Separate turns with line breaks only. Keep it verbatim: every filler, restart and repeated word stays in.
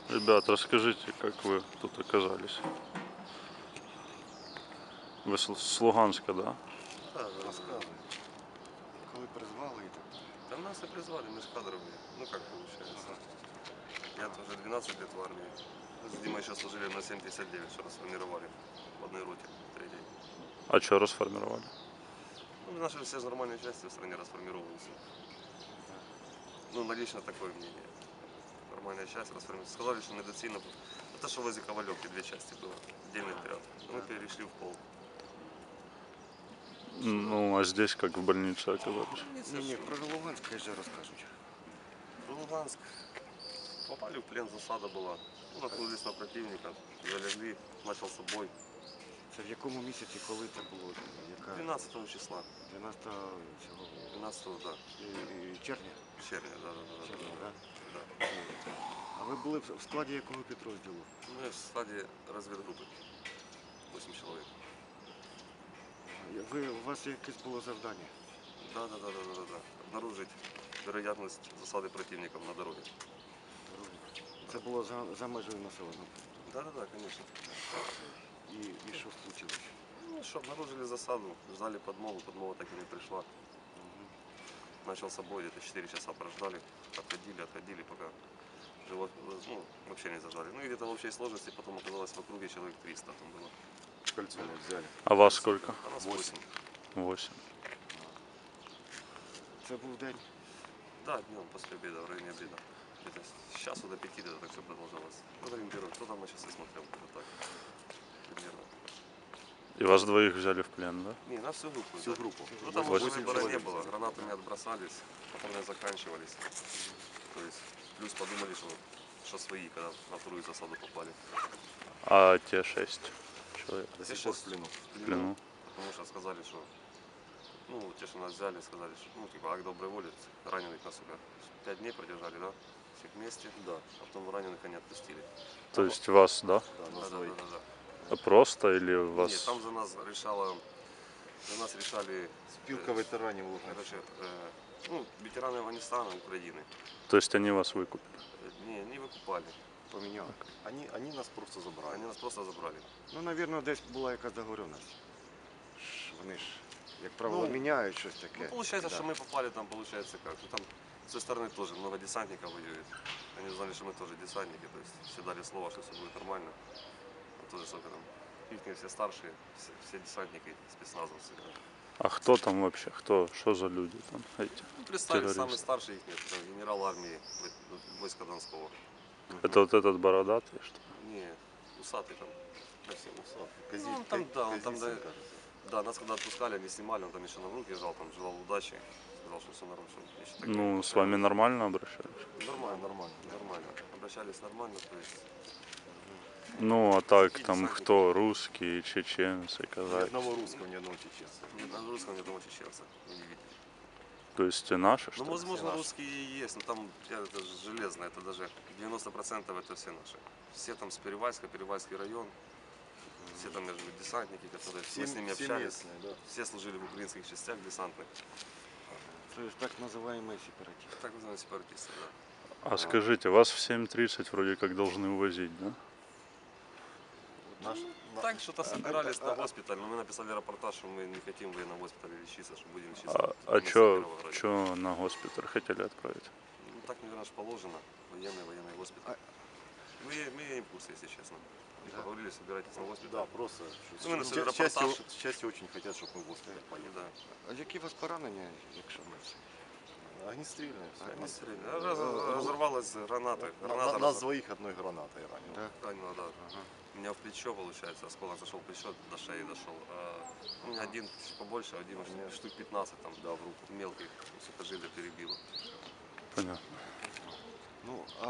Ребят, расскажите, как вы тут оказались? Вы с с Луганска, да?
Да, да, да, да.
Розказуй. Коли призвали і так далі.
Да нас и призвали, мы ж кадровые. Ну как получается. Я тоже двенадцать лет в армии. Мы с Димой еще служили на семь пятьдесят девять, что расформировали в одной роте, третьей.
А что расформировали?
Ну, наши все же нормальные части в стране расформировываются. Ну, на лично такое мнение. Нормальная часть расформировалась. Сказали, что недоцільно. Это что возле Ковалевки две части было, отдельный отряд. Мы перешли в полк.
Ну, а здесь как в больнице оказались?
Ні, ні, про Луганськ хай же розкажуть.
В Луганск попали в плен, засада была. Ну, наткнулись на противника, залегли, начался бой.
Це в якому місяці, коли це було? Яка?
двенадцатого числа.
дванадцятого цього
двенадцатого, да.
е, червня?
Червня, да, да, да.
Червня,
да,
так?
да.
А ви були в складі якого підрозділу?
Мы в стадии разведгруппы. восемь человек.
Ви, у вас якесь було завдання?
Да, да, да, да, да, да, да. Обнаружить вероятность засады противников на дороге.
Це було за, за межею населеного.
Да, да, да, конечно.
І, і що случилось?
Ну что, обнаружили засаду, ждали подмогу, подмога так и не пришла. Начался бой, где-то четыре часа прождали, отходили, отходили, пока живот, ну, вообще не зажали. Ну и где-то в общей сложности потом оказалось в округе человек триста там было.
Кольцо не взяли.
А вас сколько?
А нас восемь.
Восемь.
Це був день.
Да, днем после обеда, в районе обеда. Где-то с часу до пяти где-то так все продолжалось. Вот ориентируюсь, кто там на часы смотрел, где-то так. Примерно.
И вас двоих взяли в плен, да?
Не, на всю группу.
Всю
да.
группу.
Ну там
Восемь
уже выбора не
человек
было,
взяли.
гранатами отбросались, патроны заканчивались. То есть плюс подумали, что, что свои, когда на вторую засаду попали.
А те шесть человек
До сих пор в плену.
в плену?
Потому что сказали, что, ну, те, что нас взяли, сказали, что, ну, типа, акт доброй воли, раненых нас сюда пять дней продержали, да, всех вместе, да, а потом раненых они отпустили.
То есть вас, да?
Да, да, да, да, да.
А просто или
Нет,
вас?
там за нас решала, за нас решали,
Спілка ветеранів Луганська.
короче, э, ну, ветераны Афганистана, Украины.
То есть они вас выкупили?
Э, Не, не выкупали,
Поміняли.
Они, они нас просто забрали.
они нас просто забрали.
Ну, мабуть, десь була якась договоренність. Ж Вони ж, як правило,
Ну,
міняють щось таке.
Ну, получается,
Да.
что мы попали там, получается, как, ну, там с той стороны тоже много десантников воюет. Они знали, что мы тоже десантники, то есть все дали слово, что все будет нормально. А тоже сколько там, их все старшие, все, все десантники, спецназовцы. Да.
А кто там вообще? Кто? Что за люди там эти?
Ну, представили, самый
Террористы.
старший их нет, это генерал армии в- войска Донского.
Это вот этот бородатый, что ли?
Не, усатый там.
Совсем усатый.
Ну, он там, да, он там, да,
кажется.
да, нас когда отпускали, они снимали, он там еще на руки жал, там желал удачи, сказал, что все нормально. Что еще так
Ну,
не
с вами нормально обращались?
Нормально, нормально, нормально. Обращались нормально, то есть.
Ну, а так
Какие
там
десантники?
кто? Русские, чеченцы,
Ни
казахи?
одного русского, ни одного чеченца.
Ни одного русского, ни одного чеченца. Вы не видите.
То есть и наши, что
Ну,
ли?
возможно,
наши.
русские и есть, но там я, это же железно, это даже девяносто процентов это все наши. Все там с Перевальска, Перевальский район, все там между десантники, которые
Все,
мы с ними
все
общались.
местные, да.
Все служили в украинских частях десантных.
Це ж так називаємо сепаратисти.
Так называемые сепаратисты, да.
А скажите, вас в семь тридцать вроде как должны увозить, да?
Наш, на-
Так что-то собирались на госпиталь, но мы написали репортаж, что мы не хотим в военном госпитале лечиться, что будем лечиться.
А,
в
а
больнице
чё,
Кировограда.
чё на госпиталь хотели отправить?
Ну, так, наверное, ж положено. Военный, военный госпиталь. Мы, мы имеем курс, если честно. И поговорили, собирайтесь на госпиталь.
да, просто.
Ну, мы на свой
Ча- части,
репортаж.
части очень хотят, чтобы мы в госпиталь поехали.
Да.
А які у вас поранення, якщо ми це?
Огнестрельные. всё.
Огнестрельно. Раз- раз- Разорвалась граната.
На-
Граната
на- нас
разор-
двоих одной гранатой ранило.
Да?
ранила, да. Меня в плечо, получается, осколок зашел в плечо, до шеи дошел. А у меня один чуть побольше, один
У меня
штук пятнадцать там,
Да, в руку.
мелких, сухожилия перебило.
Понятно.
Ну,